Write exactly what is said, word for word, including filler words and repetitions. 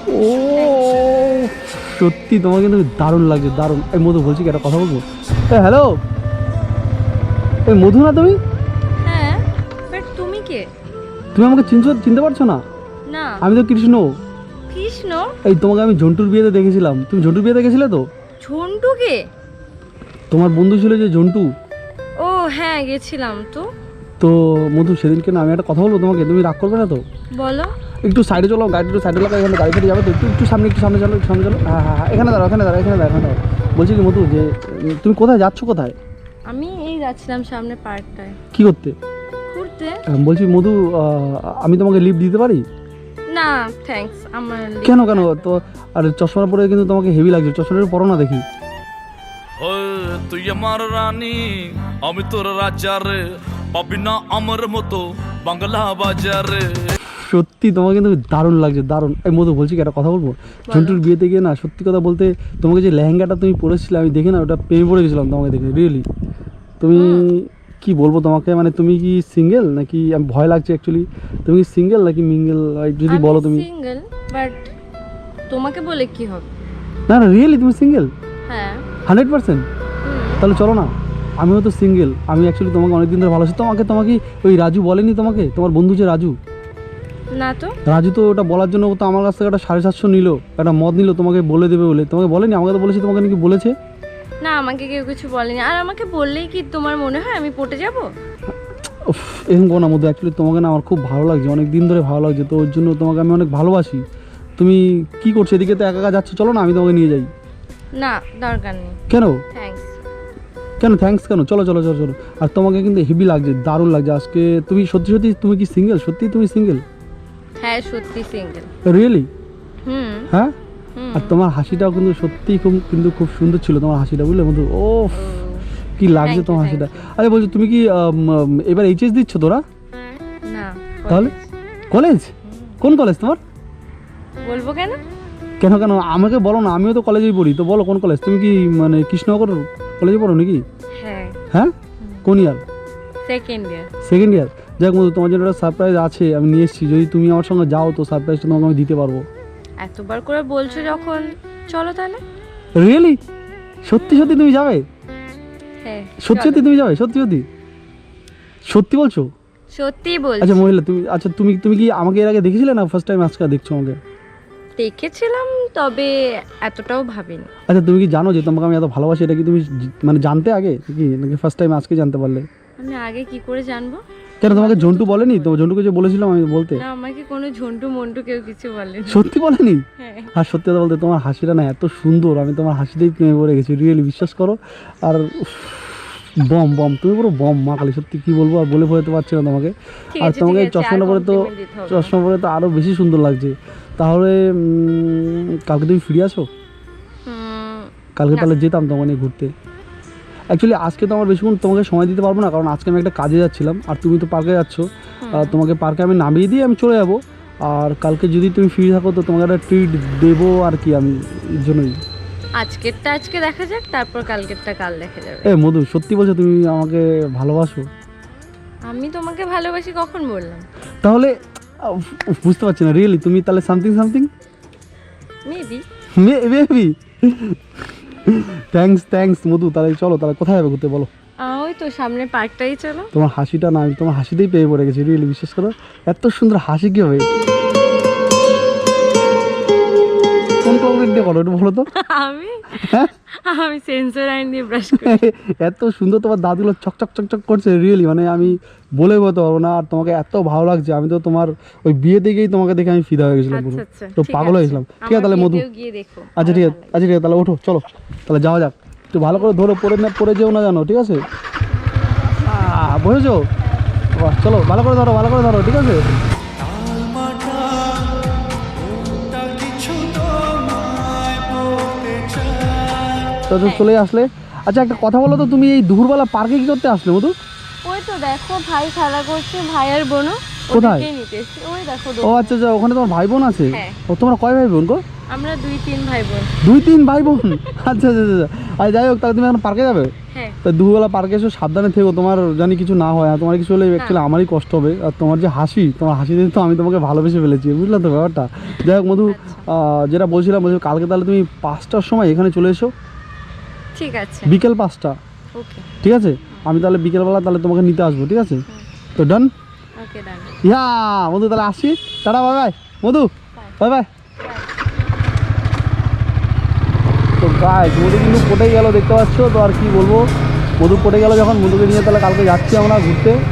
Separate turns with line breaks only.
ও সত্যি তোমার কিন্তু দারুণ লাগছে, দারুণ। এই মধু বলছি কি একটা কথা বলবো? এ হ্যালো, এই মধু না তুমি?
হ্যাঁ, বাট তুমি কে?
তুমি আমাকে চিনছো, চিনতে পারছো না?
না।
আমি তো কৃষ্ণ।
কৃষ্ণ?
এই তোমাকে আমি ঝন্টুর বিয়েতে দেখেছিলাম। তুমি ঝন্টুর বিয়েতে গেছিলে তো?
ঝন্টু কে?
তোমার বন্ধু ছিল যে ঝন্টু।
ও হ্যাঁ, গেছিলাম তো।
তো মধু সেদিনকে না আমি একটা কথা বলবো তোমাকে, তুমি রাগ করবে না তো?
বলো।
একটু সাইডে চলো, গাড়ি একটু সাইডে লাগা, এখানে গাড়ি ফেটে যাবে তো, একটু একটু সামনে, একটু সামনে চলো, একটু সামনে চলো। হ্যাঁ হ্যাঁ হ্যাঁ, এখানে দাঁড়াও, এখানে দাঁড়াও, এখানে দাঁড়াও, এখানে দাঁড়াও। বলছি কি মধু, যে তুমি কোথায় যাচ্ছ, কোথায়?
আমি এই যাচ্ছিলাম সামনে পার্কটায়
কি করতে?
ঘুরতে।
বলছি মধু, আমি তোমাকে লিফট দিতে পারি?
না থ্যাঙ্কস, আমার
কেন কেন তো? আর চশমা পরে কিন্তু তোমাকে হেভি লাগছে, চশমাটা পরো না দেখি।
তুই আমার রানী, আমি তোর রাজা রে, পাবি না আমার মতো বাংলা বাজারে।
সত্যি তোমাকে কিন্তু দারুণ লাগছে, দারুণ। এই মধু বলছি কি একটা কথা বলবো? ঝন্টুর বিয়েতে গিয়ে না সত্যি কথা বলতে তোমাকে যে লেহেঙ্গাটা তুমি পরেছিলে আমি দেখে না ওটা প্রেমে পড়ে গেছিলাম তোমাকে দেখে, রিয়েলি। তুমি কি বলবো তোমাকে, মানে তুমি কি সিঙ্গেল নাকি? আমি ভয় লাগছে অ্যাকচুয়ালি। তুমি কি সিঙ্গেল নাকি মিঙ্গেল যদি বলো তুমি?
সিঙ্গেল, বাট তোমাকে বলে কি হবে?
না না রিয়েলি তুমি সিঙ্গেল?
হ্যাঁ
হান্ড্রেড পার্সেন্ট? তাহলে চলো না, আমিও তো সিঙ্গেল। আমি অ্যাকচুয়ালি তোমাকে অনেকদিন ধরে ভালোবাসি। তোমাকে তোমাকে ওই রাজু বলেনি তোমাকে, তোমার বন্ধু যে রাজু?
না তো।
রাজু তো ওটা বলার জন্য ও তো আমার কাছ থেকে একটা সাড়ে সাতশো নিল, একটা মদ নিল তোমাকে বলে দেবে বলে। তোমাকে বলেনি? আমাকে তো বলেছি, তোমাকে নাকি বলেছে।
না, আমাকে কেউ কিছু বলেনি। আর আমাকে বললেই কি তোমার মনে হয় আমি পটে যাব?
এরকম কোনো মধ্যে অ্যাকচুয়ালি তোমাকে না আমার খুব ভালো লাগছে, অনেক দিন ধরে ভালো লাগছে, তো ওর জন্য তোমাকে আমি অনেক ভালোবাসি। তুমি কি করছো এদিকে? তো একা একা যাচ্ছ, চলো না আমি তোমাকে নিয়ে যাই।
না দরকার নেই।
কেন
থ্যাঙ্কস।
কেন থ্যাঙ্কস কেন? চলো চলো চলো চলো। আর তোমাকে কিন্তু হেভি লাগছে, দারুণ লাগছে আজকে। তুমি সত্যি সত্যি তুমি কি সিঙ্গেল? সত্যি তুমি সিঙ্গেল?
হ্যাঁ সত্যি সিঙ্গেল।
রিয়েলি?
হুম।
হ্যাঁ। আর তোমার হাসিটাও কিন্তু সত্যি খুব কিন্তু খুব সুন্দর ছিল তোমার হাসিটা, বুঝলে বন্ধু? ও কি লাগছে তোমার হাসিটা। আরে বলছো তুমি কি এবার এইচএস দিচ্ছ তোরা?
না।
তাহলে কলেজ? কোন কলেজ তোমার?
বলবো কেন?
কেন কেন আমাকে বলো না, আমিও তো কলেজেই পড়ি, তো বলো কোন কলেজ। তুমি কি মানে কৃষ্ণনগর কলেজে পড়ো নাকি?
হ্যাঁ।
হ্যাঁ কোন ইয়ার?
Second year.
Second year. যাক বন্ধু, তোমার জন্য একটা সারপ্রাইজ আছে, আমি নিয়ে এসেছি। যদি তুমি আমার সঙ্গে যাও তো সারপ্রাইজটা তোমাকে আমি দিতে পারবো।
এতবার করে বলছো যখন, চলো তাহলে।
রিয়েলি? সত্যি সত্যি তুমি যাবে?
হ্যাঁ
সত্যি সত্যি তুমি যাবে? সত্যি সত্যি সত্যি বলছো?
সত্যি বলছি।
আচ্ছা মহিলা তুমি, আচ্ছা তুমি তুমি কি আমাকে এর আগে দেখেছিলে না ফার্স্ট টাইম আজকে দেখছো আমাকে?
দেখেছিলাম, তবে এতটাও ভাবিনি।
আচ্ছা তুমি কি জানো যে তোমাকে আমি এত ভালোবাসি? এটা কি তুমি জি- মানে জানতে আগে কি, নাকি ফার্স্ট টাইম আজকে জানতে পারলে?
আমি আগে কি করে জানবো?
কেন তোমাকে ঝন্টু বলেনি তো? ঝন্টুকে যে বলেছিলাম আমি বলতে,
না, আমাকে কোনো ঝন্টু মন্টু কেউ কিছু বলেনি।
সত্যি বলেনি?
হ্যাঁ।
আর সত্যি কথা বলতে তোমার হাসিটা না এত সুন্দর, আমি তোমার হাসিতেই প্রেমে পড়ে গেছি, রিয়েলি, বিশ্বাস করো। আর উফ, বম বম, তুমি পুরো বম মা কালী, সত্যি কি বলবো, আর বলে বোঝাতে পারছি না তোমাকে।
ঠিক
আর
আছে,
তোমাকে
ঠিক আছে,
চশমাটা
আর
পরে তো
compliment দিতে হবে না।
চশমা পরে তো আরও বেশি সুন্দর লাগছে। তাহলে উম, কালকে তুমি ফিরে আসো?
হুম,
কালকে
না।
তাহলে যেতাম তোমাকে নিয়ে ঘুরতে। অ্যাকচুয়ালি আজকে তো আমার বেশিক্ষণ তোমাকে সময় দিতে পারবো না, কারণ আজকে আমি একটা কাজে যাচ্ছিলাম আর তুমি তো পার্কে যাচ্ছ। আর তোমাকে পার্কে আমি নামিয়ে দিয়ে আমি চলে যাবো। আর কালকে যদি তুমি ফ্রি থাকো তো তোমাকে একটা ট্রিট দেবো আর কি, আমি এর জন্যই।
আজকেরটা আজকে দেখা যাক, তারপর কালকেরটা কাল দেখা যাবে।
এ মধু, সত্যি বলছো তুমি আমাকে ভালোবাসো?
আমি তোমাকে ভালোবাসি কখন বললাম?
তাহলে উফ, উফ, বুঝতে পারছি না রিয়েলি, তুমি তাহলে something something
maybe.
Maybe. Thanks thanks Madhu. তাহলে চলো, তাহলে কোথায় যাবে ঘুরতে বলো?
ওই তো সামনে পার্কটাই চলো।
তোমার হাসিটা না, আমি তোমার হাসিতেই পেয়ে পড়ে গেছি, রিয়েলি, বিশ্বাস করো। এত সুন্দর হাসি কি হবে? কোন কোলগেট দিয়ে করো একটু বলো তো?
আমি
হ্যাঁ
আমি সেন্সর আইন দিয়ে ব্রাশ করি।
এত সুন্দর তোমার দাঁতগুলো চকচক চকচক করছে, রিয়েলি, মানে আমি বলে বলতে পারবো না। আর তোমাকে এত ভালো লাগছে, আমি তো তোমার ওই বিয়ে দেখেই তোমাকে দেখে আমি ফিদা হয়ে গেছিলাম পুরো,
আচ্ছা আচ্ছা,
তো
ঠিক
পাগল হয়ে
আছে।
গেছিলাম। ঠিক আছে তাহলে
আমার
মধু,
বিয়েতেও গিয়ে দেখো।
আচ্ছা ঠিক আছে, আচ্ছা ঠিক আছে তাহলে ওঠো, চলো তাহলে যাওয়া যাক। একটু ভালো করে ধরো, পরে না পরে যেও না জানো, ঠিক আছে? আহ, বুঝেছো? বাহ, চলো ভালো করে ধরো, ভালো করে ধরো, ঠিক আছে? তো তুমি চলে আসলে। আচ্ছা একটা কথা বলো তো, তুমি এই দুপুরবেলা পার্কে কি করতে আসলে মধু?
ওই তো দেখো ভাই খেলা করছে, ভাই আর বোনও।
কোথায়?
ওদেরকেই নিতে এসেছি। ওই দেখো
ও আচ্ছা আচ্ছা, ওখানে তোমার ভাই বোন আছে?
হ্যাঁ।
ও তোমরা কয় ভাই বোন গো?
আমরা দুই তিন ভাই বোন।
দুই তিন ভাই বোন? আচ্ছা আচ্ছা আচ্ছা। আর যাই হোক, তাহলে তুমি এখন পার্কে যাবে?
হ্যাঁ।
তা দুপুরবেলা পার্কে এসে সাবধানে থেকো, তোমার জানি কিছু না হয়। আর তোমার কিছু হলে অ্যাকচুয়ালি আমারই কষ্ট হবে। আর তোমার যে হাসি, তোমার হাসি দেখে তো আমি তোমাকে ভালোবেসে ফেলেছি, বুঝলে তো ব্যাপারটা। যাই হোক মধু, আহ, যেটা বলছিলাম বলছি কালকে তাহলে তুমি পাঁচটার সময় এখানে চলে এসো,
ঠিক আছে।
বিকেল পাঁচটা।
ওকে।
ঠিক আছে, আমি তাহলে বিকেলবেলা তাহলে তোমাকে নিতে আসবো, ঠিক আছে? তো ডান।
ওকে ডান।
ইয়া মধু, তাহলে আসছি, tata, bye bye Madhu, bye bye. তো গাইস, মধু কিন্তু পটে গেল, দেখতে পাচ্ছ তো। আর কি বলবো, মধু পটে গেল যখন, মধুকে নিয়ে তাহলে কালকে যাচ্ছি আমরা ঘুরতে।